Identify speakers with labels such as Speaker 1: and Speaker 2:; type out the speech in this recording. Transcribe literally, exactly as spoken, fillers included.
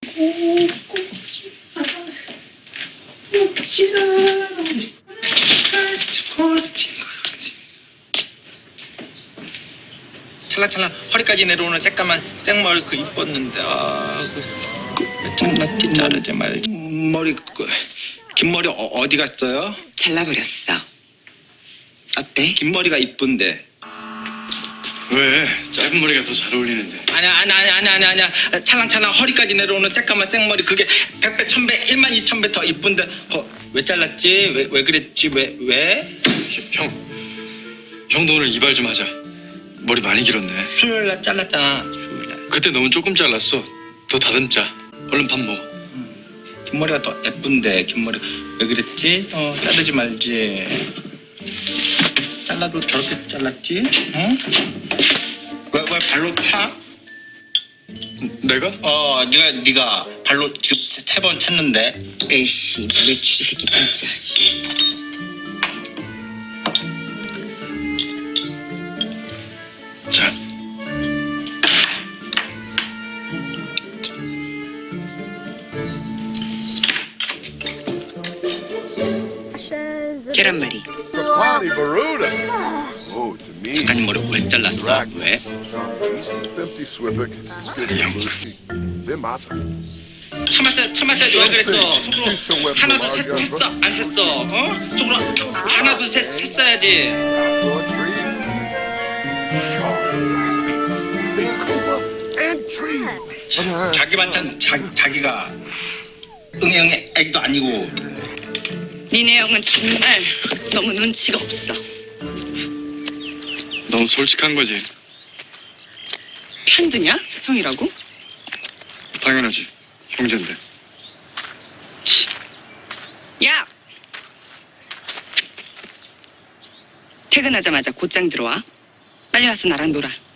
Speaker 1: 찰랑찰랑 허리까지 내려오는 새까만 생머리 그 이뻤는데 아, 그, 그 장난기 자르지 말 머리 그, 긴 머리 어, 어디 갔어요?
Speaker 2: 잘라버렸어. 어때?
Speaker 1: 긴 머리가 이쁜데.
Speaker 3: 왜? 짧은 머리가 더 잘 어울리는데.
Speaker 1: 아니야 아니야 아니야 아니야 아니야 아니야 찰랑찰랑 허리까지 내려오는 새까만 생머리 그게 백배 천배 일만 이천 배 더 이쁜데 어, 왜 잘랐지? 왜, 왜 그랬지? 왜? 왜?
Speaker 3: 형, 형도 오늘 이발 좀 하자. 머리 많이 길었네.
Speaker 1: 수요일날 잘랐잖아 수요일날
Speaker 3: 그때 너무 조금 잘랐어. 더 다듬자. 얼른 밥 먹어.
Speaker 1: 긴 머리가 더 예쁜데 긴 머리 왜 그랬지? 어 자르지 말지 잘라도 저렇게 잘랐지? 응? 왜, 왜 발로 차?
Speaker 3: 내가?
Speaker 1: 어 네가 네가 발로 지금 세 번 찼는데
Speaker 2: 에이씨, 외출이 새끼 진짜.
Speaker 3: 자.
Speaker 2: 계란말이.
Speaker 4: Capani Veruda. Oh, to me.
Speaker 1: 작가님 머리 왜 잘랐어? 왜?
Speaker 4: Some easy fifty Swippick. Skitty Be massa.
Speaker 1: 참았어 참았어야지 왜 그랬어 속으로 하나 둘셋 셌어 안 셌어 어? 속으로 하나 둘셋 셌어야지
Speaker 4: For a treat. Sharp. Big Cooper and tree.
Speaker 1: 자기 반찬 자, 자기가 응애 응애 애기도 아니고
Speaker 2: 니네 형은 정말 너무 눈치가 없어.
Speaker 3: 너무 솔직한 거지.
Speaker 2: 편드냐? 형이라고?
Speaker 3: 당연하지. 형제인데.
Speaker 2: 야! 퇴근하자마자 곧장 들어와. 빨리 와서 나랑 놀아.